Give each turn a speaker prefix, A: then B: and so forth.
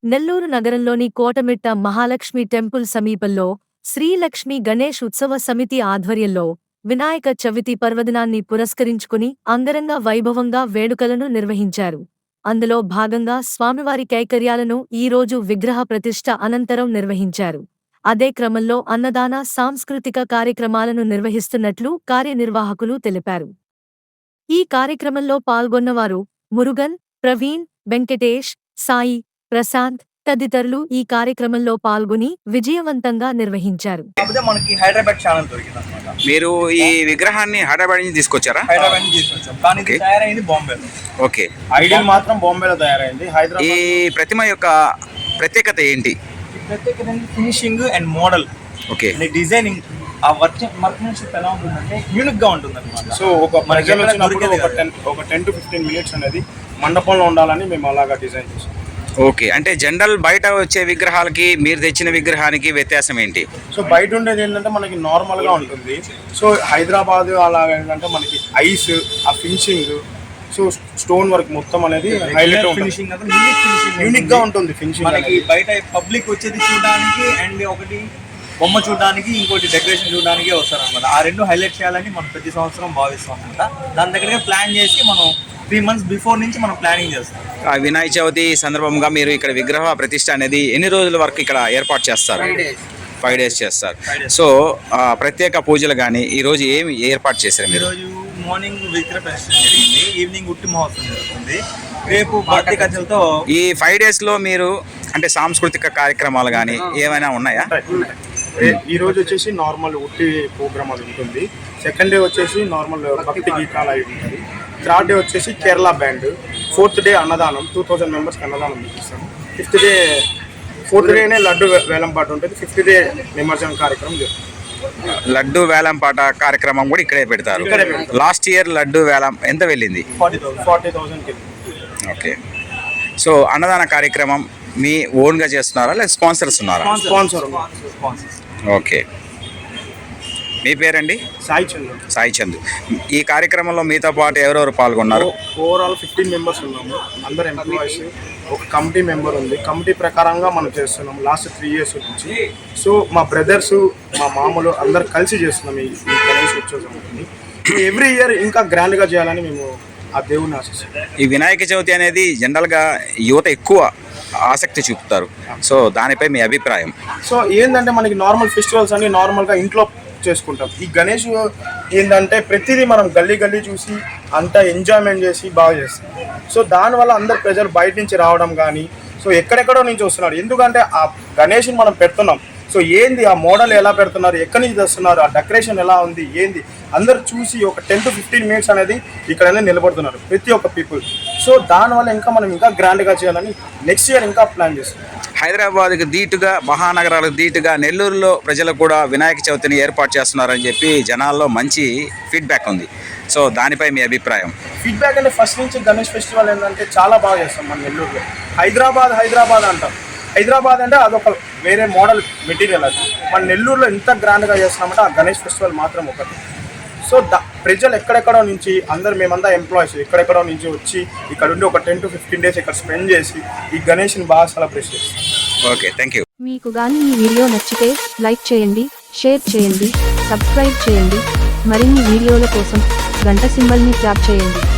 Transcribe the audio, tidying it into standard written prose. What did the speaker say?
A: నెల్లూరు నగరంలోని కోటమిట్ట మహాలక్ష్మి టెంపుల్ సమీపంలో శ్రీలక్ష్మి గణేష్ ఉత్సవ సమితి ఆధ్వర్యంలో వినాయక చవితి పర్వదినాన్ని పురస్కరించుకుని అంగరంగ వైభవంగా వేడుకలను నిర్వహించారు. అందులో భాగంగా స్వామివారి కైకర్యాలను ఈరోజు విగ్రహ ప్రతిష్ఠ అనంతరం నిర్వహించారు. అదే క్రమంలో అన్నదాన సాంస్కృతిక కార్యక్రమాలను నిర్వహిస్తున్నట్లు కార్యనిర్వాహకులు తెలిపారు. ఈ కార్యక్రమంలో పాల్గొన్నవారు మురుగన్, ప్రవీణ్, వెంకటేష్, సాయి, ప్రశాంత్ తదితరులు ఈ కార్యక్రమంలో పాల్గొని విజయవంతంగా నిర్వహించారు.
B: మనకి హైదరాబాద్ ఛానల్ దొరికిందన్నమాట.
C: మీరు ఈ విగ్రహాన్ని హైదరాబాద్ నుంచి తీసుకొచ్చారా?
B: హైదరాబాద్ నుంచి తీసుకొచ్చాం, కానీ ఇది తయారైంది బాంబేలో.
C: ఓకే,
B: ఐడియల్ మాత్రం బాంబేలో తయారైంది. హైదరాబాద్
C: ఈ ప్రతిమ యొక్క ప్రత్యేకత ఏంటి?
B: ప్రత్యేకత finishing and model.
C: Okay,
B: designing ఆ వర్క్మెన్షిప్ ఎలా ఉంటుందంటే యూనిక్ గా ఉంటుంది అనమాట.
D: సో ఒక 10 to 15 మినిట్స్ అనేది మండపంలో ఉండాలని మేము అలాగా డిజైన్ చేసాం.
C: ఓకే, అంటే జనరల్ బయట వచ్చే విగ్రహాలకి మీరు తెచ్చిన విగ్రహానికి వ్యత్యాసం ఏంటి?
D: సో బయట ఉండేది ఏంటంటే మనకి నార్మల్ గా ఉంటుంది. సో హైదరాబాద్ అలాగ ఏంటంటే మనకి ఐస్, ఆ ఫినిషింగ్, సో స్టోన్ వర్క్ మొత్తం అనేది హైలైట్
B: ఫినిషింగ్
D: యూనిక్ గా ఉంటుంది. ఫినిషింగ్
B: మనకి బయట పబ్లిక్ వచ్చేది చూడడానికి అండ్ ఒకటి బొమ్మ చూడడానికి, ఇంకోటి డెకరేషన్ చూడడానికి వస్తారు అనమాట. ఆ రెండు హైలైట్ చేయాలని మనం ప్రతి సంవత్సరం భావిస్తాం అనమాట. దాని దగ్గరగా ప్లాన్ చేసి మనం 3 months బిఫోర్ నుంచి మనం ప్లానింగ్ చేస్తాం.
C: ఆ వినాయక చవితి సందర్భంగా మీరు ఇక్కడ విగ్రహ ప్రతిష్ఠ అనేది ఎన్ని రోజుల వరకు ఇక్కడ ఏర్పాటు చేస్తారు? 5 days చేస్తారు. సో ప్రత్యేక పూజలు కానీ ఈరోజు ఏమి ఏర్పాటు చేశారు మీరు?
B: ఈరోజు మార్నింగ్ విగ్రహ ప్రతిష్ఠ జరిగింది, ఈవినింగ్ ఉట్టి మహోత్సవం జరుగుతుంది. రేపు భక్తి కథలతో
C: ఈ 5 days లో మీరు అంటే సాంస్కృతిక కార్యక్రమాలు కానీ ఏమైనా ఉన్నాయా?
D: ఈ రోజు వచ్చేసి నార్మల్ ఉట్టి ప్రోగ్రామ్ అది ఉంటుంది. సెకండ్ డే వచ్చేసి నార్మల్ భక్తి గీతాలు అవి ఉంటుంది. థర్డ్ డే వచ్చేసి కేరళ బ్యాండ్. 4th డే అన్నదానం, 2000 members అన్నదానం ఇస్తాము. 5th డే 4th డేనే లడ్డు వేలం పాట ఉంటుంది. 5th డే నిమజ్జనం కార్యక్రమం జరుగుతుంది.
C: లడ్డు వేలం పాట కార్యక్రమం కూడా ఇక్కడే పెడతారు. లాస్ట్ ఇయర్ లడ్డు వేలం ఎంత వెళ్ళింది?
D: 40,000.
C: ఓకే, సో అన్నదాన కార్యక్రమం మీ ఓన్గా చేస్తున్నారా లేదా స్పాన్సర్స్ ఉన్నారా?
D: స్పాన్సర్.
C: ఓకే, మీ పేరండి? సాయి చంద్. ఈ కార్యక్రమంలో మీతో పాటు ఎవరెవరు పాల్గొన్నారు?
D: ఓవరాల్ 15 members ఉన్నాము. అందరు ఎంప్లాయీస్, ఒక కమిటీ మెంబర్ ఉంది. కమిటీ ప్రకారంగా మనం చేస్తున్నాం లాస్ట్ 3 years నుంచి. సో మా బ్రదర్స్, మా మామూలు అందరు కలిసి చేస్తున్నాం ఈ గణేష్ ఉత్సవం. ఎవ్రీ ఇయర్ ఇంకా గ్రాండ్గా చేయాలని మేము ఆ దేవుని ఆశిస్తున్నాం.
C: ఈ వినాయక చవితి అనేది జనరల్గా యువత ఎక్కువ ఆసక్తి చూపుతారు. సో దానిపై మీ అభిప్రాయం?
D: సో ఏంటంటే మనకి నార్మల్ ఫెస్టివల్స్ అన్ని నార్మల్గా ఇంట్లో చేసుకుంటాం. ఈ గణేష్ ఏంటంటే ప్రతిదీ మనం గల్లీ చూసి అంతా ఎంజాయ్మెంట్ చేసి బాగా చేస్తాం. సో దానివల్ల అందరు ప్రజలు బయట నుంచి రావడం కానీ, సో ఎక్కడెక్కడో నుంచి వస్తున్నారు. ఎందుకంటే ఆ గణేష్ని మనం పెడుతున్నాం. సో ఏంది ఆ మోడల్ ఎలా పెడుతున్నారు, ఎక్కడి నుంచి తెస్తున్నారు, ఆ డెకరేషన్ ఎలా ఉంది, ఏంది అందరు చూసి ఒక 10 to 15 minutes అనేది ఇక్కడ నిలబడుతున్నారు ప్రతి ఒక్క పీపుల్. సో దానివల్ల ఇంకా మనం ఇంకా గ్రాండ్గా చేయాలని నెక్స్ట్ ఇయర్ ఇంకా ప్లాన్ చేస్తున్నాం.
C: హైదరాబాద్కి ధీటుగా, మహానగరాలకు ధీటుగా నెల్లూరులో ప్రజలు కూడా వినాయక చవితిని ఏర్పాటు చేస్తున్నారని చెప్పి జనాల్లో మంచి ఫీడ్బ్యాక్ ఉంది. సో దానిపై మీ అభిప్రాయం?
D: ఫీడ్బ్యాక్ అంటే ఫస్ట్ నుంచి గణేష్ ఫెస్టివల్ ఏంటంటే చాలా బాగా చేస్తాం మన నెల్లూరులో. హైదరాబాద్ అంటాం. హైదరాబాద్ అంటే అదొక వేరే మోడల్ మెటీరియల్. అది మన నెల్లూరులో ఎంత గ్రాండ్గా చేస్తున్నామంటే ఆ గణేష్ ఫెస్టివల్ మాత్రం ఒకటి. సో ప్రజలు ఎక్కడెక్కడో నుంచి అందరు మేమంతా ఎంప్లాయీస్ ఎక్కడెక్కడో నుంచి వచ్చి ఇక్కడ ఉండి ఒక 10 to 15 days ఇక్కడ స్పెండ్ చేసి ఈ గణేష్ని బాగా సెలబ్రేట్ చేస్తాం.
C: Okay, thank you.
E: మీకు గాని ఈ వీడియో నచ్చితే లైక్ చేయండి, షేర్ చేయండి, సబ్స్క్రైబ్ చేయండి. మరిన్ని వీడియోల కోసం గంట సింబల్ని ట్యాప్ చేయండి.